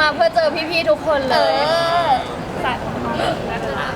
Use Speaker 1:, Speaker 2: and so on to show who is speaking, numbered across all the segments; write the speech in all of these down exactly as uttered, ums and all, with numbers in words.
Speaker 1: มาเพื่อเจอพี่ๆทุกคนเลยสัตว์นักเจอค่ะ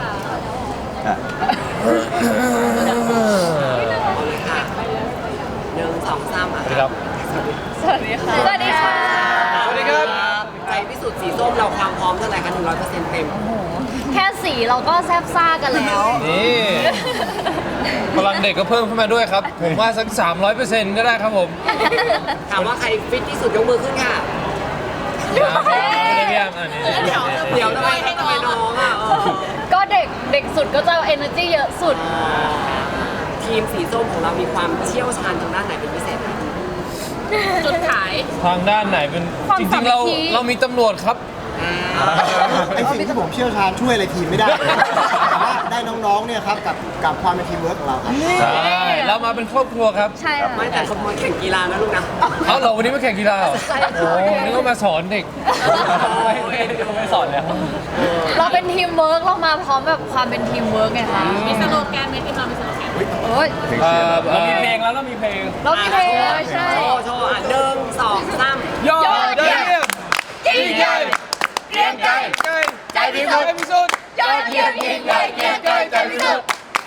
Speaker 2: หนึ่งสองสามอ่ะ
Speaker 3: สวัสดีครับ
Speaker 1: สวัสดีค่ะสวัสดีค่ะ
Speaker 3: สวัสดีครับ
Speaker 2: ใจพิสูจน์สีส้มเราความพร้อมเท่าไหร่คะหนึ่งร้อยเปอร์เซ็นต์เต็ม
Speaker 1: แค่สีเราก็แซบซ่ากันแล้ว
Speaker 3: นี่พลังเด็กก็เพิ่มขึ้นมาด้วยครับ ผมว่าสัก สามร้อยเปอร์เซ็นต์ ก็ได้ครับผม
Speaker 2: ถามว่าใครฟิตที่สุดยกมือขึ้นค่ะ
Speaker 3: ไม่ได้พี่แอมอันนี้
Speaker 2: เดี๋ยวทำไมทำไมน้องอ่ะเออ
Speaker 1: ก็เด็กเด็กสุดก็จะ energy เยอะสุด
Speaker 2: ทีมสีส้มของเรามีความเชี่ยวชาญทางด้านไหนเป็นพิเศษไหม
Speaker 1: จุดขาย
Speaker 3: ทางด้านไหนเป็น
Speaker 1: ความ
Speaker 3: จ
Speaker 1: สา
Speaker 3: ริง
Speaker 1: มั
Speaker 3: ๆ
Speaker 1: คคี
Speaker 3: เราเรามีตำรวจครับ
Speaker 4: ไอสิ่งที่ผมเชี่ยวชาญช่วยอะไรทีมไม่ได้เลยแต่ว่าได้น้องๆเนี่ยครับกับกับความเป็นทีมเวิร์กของเราครับ
Speaker 3: ใช่ เรามาเป็นครอบครัวครับ
Speaker 1: ใช่ค่ะ
Speaker 2: ไม่แต่คนมาแข่งกีฬานะลูกนะ
Speaker 3: เอาเหรอวันนี้มาแข่งกีฬาเหรอ
Speaker 1: ใช่
Speaker 3: โอ้นี่ก็มาสอนเด็ก ไม่สอนแล้ว
Speaker 1: เราเป็นทีมเวิร์กเรามาพร้อมแบบความเป็นทีมเวิร์กไงคะมีสโลแกนไหมทีมเรามีสโลแกนโอ้ย
Speaker 3: เอ่อ
Speaker 5: เรามีเพลงแล้วเรามีเพลง
Speaker 1: เรามีเพลงใช่
Speaker 2: โชว์โชว์อ่ะหนึ่งสองสาม
Speaker 3: ยอดเยี่ยมยิ่งใหญ่เกรียงไกรใจพิสุทธิ์พิสุทธิ์
Speaker 1: ยอดเยี่ยมยิ่งใหญ่เกรียงไกรใจพิสุทธิ์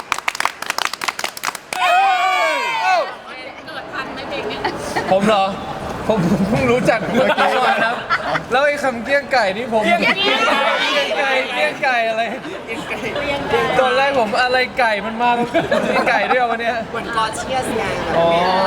Speaker 3: ผมเหรอ ผมเพิ่งรู้จักเมื่อกี้มาครับ แล้วไอ้คำเกี้ยงไก่นี่ผมเกี้ยงไก่เกี้ยงไก่เกี้ยงไก่อะไรตอนแรกผมอะไรไก่มันมาเกี้ยงไก่ด้วยวันเนี้ย
Speaker 2: เหมือนกอเชียสไง
Speaker 3: อ๋อ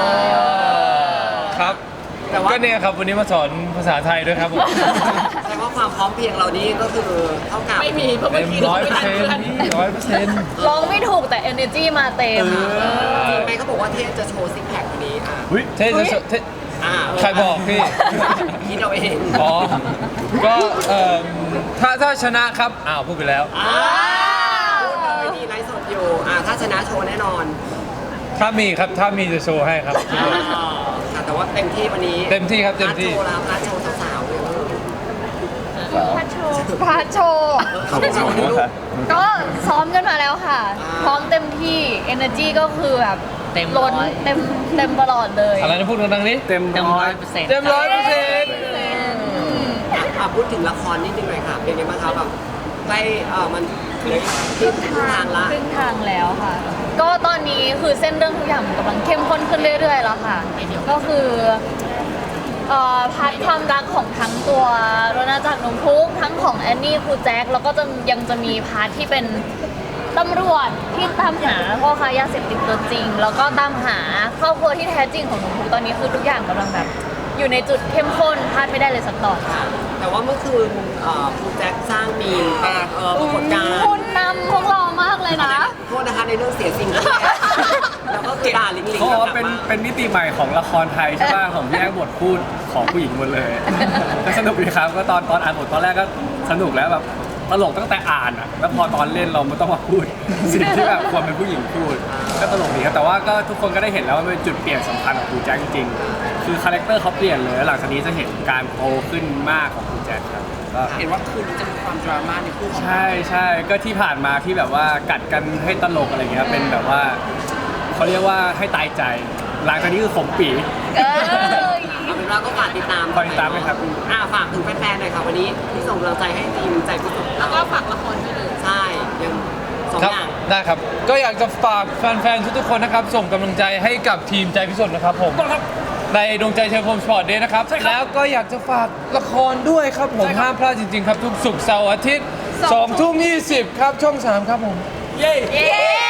Speaker 3: ครับ
Speaker 2: แต่ว่า
Speaker 3: ก็เนี่ยครับวันนี้มาสอนภาษาไทยด้วยครับผม
Speaker 2: แสดงว่าความพร้อมเพรียงเรานี้ก็คือเท่ากับไม่มี
Speaker 3: เต็มร้อยเปอร์เซ็นต์ร้อยเปอร์เซ็นต์
Speaker 1: ร้องไม่ถูกแต่ energy มาเต็ม
Speaker 2: จริงไหมเขาบอกว่าเทพจะโชว์ซิกแพควันนี้อ่ะ
Speaker 3: เท่จะเท่
Speaker 2: อ่า
Speaker 3: ใครบอกพี่
Speaker 2: คิดเอาเอง
Speaker 3: อ๋อ ก็เอ่อถ้าถ้าชนะครับ อ้าวพูดไปแล้ว
Speaker 2: อ่าพูดเลยนี่ไลฟ์สดอยู่อ่าถ้าชนะโชว์แน่นอน
Speaker 3: ถ้ามีครับ ถ้ามีจะโชว์ให้ครับ
Speaker 2: อ่าค่ะแต่ว่าเต็มที่วันนี้
Speaker 3: เต็มที่ครับเต็มที่
Speaker 2: พาร์ทโชว์แล้วพาร์ทโชว์สาวๆเลย
Speaker 1: พาโชว์พาโชว์
Speaker 2: เขาบอกว่าวันนี้ลูก
Speaker 1: ก็ซ้อมกันมาแล้วค่ะ พร้อมเต็มที่ energy ก็คือแบบ
Speaker 6: เต็ม
Speaker 1: ล้น
Speaker 6: ร้อย
Speaker 1: เต็มเต็มตลอดเลย
Speaker 3: อะไรนะพูดดังๆนี้
Speaker 5: เต็ม
Speaker 6: เต็ม
Speaker 5: ร้
Speaker 6: ร้
Speaker 5: อ
Speaker 6: อย ยเปอร์เซ็นต์
Speaker 3: เต็มร้อยเปอร์เซ็นต์
Speaker 2: อ่ะพูดถึงละครนิดนึงหน่อยค่ะ เป็นยังไงบ้างคะแบบใกล้เออมันเหลือครึ่งทางละ
Speaker 1: ครึ่งทางแล้วค่ะ ก็ตอนนี้คือเส้นเรื่องทุกอย่างมันกำลังเข้มข้นขึ้นเรื่อยๆแล้วค่ะ ก็คือเอ่อพาร์ทความรักของทั้งตัวโรนาจากรนมพุกทั้งของแอนนี่ครูแจ็คแล้วก็จะยังจะมีพาร์ทที่เป็นตำรวจที่ตามหาพ่อค้ายาเสพติดตัวจริง แล้วก็ตามหาครอบครัวที่แท้จริงของหนมพุกตอนนี้คือทุกอย่างกำลังแบบอยู่ในจุดเข้มข้นพลาดไม่ได้เลยสักตอนค่ะ
Speaker 2: แต่ว่าเมื่อคืนเอ่อครูแจ็คสร้างมีมเอ่อปรากฏการณ์
Speaker 1: คุณนำพวกเรามากเลยนะ
Speaker 2: โทษนะคะในเรื่องเสียสิ่งที่แล้วก็คือด่าลิงลิง
Speaker 5: เขาบอกว่า
Speaker 2: แบบ
Speaker 5: เป็น
Speaker 2: ว่า
Speaker 5: เป็นมิติใหม่ของละครไทยใช่ป่ะของแยกบทพูดของผู้หญิงหมดเลยก็สนุกดีครับก็ตอนตอนอ่านบทตอนแรกก็สนุกแล้วแบบตลกตั้งแต่อ่านอ่ะแล้วพอตอนเล่นเราไม่ต้องมาพูด สิ่งที่แบบควรเป็นผู้หญิงพูด ก็ตลกดีครับแต่ว่าก็ทุกคนก็ได้เห็นแล้วว่ามันเป็นจุดเปลี่ยนสำคัญของครูแจ็คจริงๆคือคาแรคเตอร์เขาเปลี่ยนเลยแล้วหลังจากนี้จะเห็นการโตขึ้นมากของครูแจ็คครับก็
Speaker 2: เห็นว่าคืนนี้จะมีความดราม่าในคู่ของ
Speaker 5: ใช่ใช่ก็ที่ผ่านมาที่แบบว่ากัดกันให้ตลกอะไรเงี้ยเป็นแบบว่าเขาเรียกว่าให้ตายใจ หลังจากนี้คือขมปี
Speaker 1: เออ
Speaker 2: เอาเป็นว่าก็ฝากติดตาม
Speaker 5: ฝากติดตามด้วยครับ
Speaker 2: อ่าฝากถึงแฟนๆหน่อยค่ะวันนี้ที่ส่งกำลังใจให้ทีมใจพิสุทธิ์แล้วก็ฝากละครด้วยเลยใช่ยังสอง
Speaker 3: ครับ
Speaker 2: อย่าง
Speaker 3: ได้ครับ ก็อยากจะฝากแฟนๆ ทุกๆ คนนะครับ ส่งกำลังใจให้กับทีมใจพิสุทธิ์นะครับผม ในดวงใจเทอร์โฟมสปอร์ตเดย์นะครับ แล้วก็อยากจะฝากละครด้วยครับผม ห้ามพลาดจริงๆ ครับ ทุกศุกร์เสาร์อาทิตย์สองทุ่มยี่สิบครับ ช่องสามครับผม
Speaker 5: เย้
Speaker 1: เย้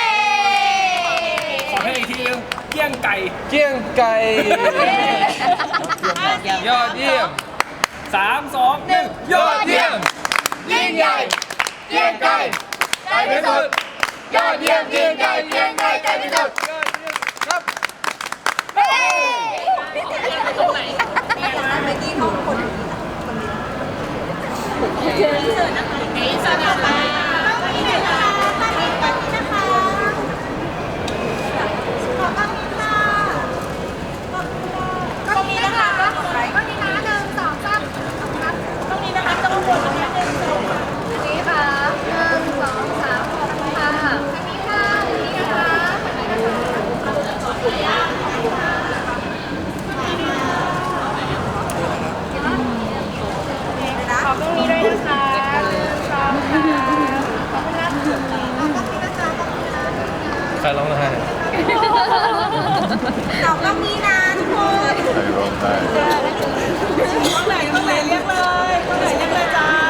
Speaker 5: ขอให้อีกทีนึงเกี้ยงไก่
Speaker 3: เกี้ยงไก่ ยอดเยี่ยม
Speaker 5: สามสองหนึ่ง
Speaker 3: ยอดเยี่ยม ยิ่งใหญ่เกี้ยงไก่ใจพิสุทธิ์ยอดเยี่ยมยิ่งใหญ่เกี้ยงไก่ใจพิสุทธิ์ยอดเยี่ยมครับ
Speaker 7: ตรงนี้นะคะตรงนี้นะหนึ่งสองสามครับตรงนี้นะคะตรงบนนะคะหนึ่งสอง
Speaker 1: นี่ค่ะหนึ่งสองสามขอบคุณค่ะ
Speaker 7: อันนี้ค่ะอันนี้นะคะขอบ
Speaker 3: ใครร้องไห้
Speaker 7: สองต้องมีนะทุกคน
Speaker 6: ใครร้องไห้
Speaker 7: ต้องไหนต้องไหนเรียกเลยต้องไหนเรียกเลยจ้า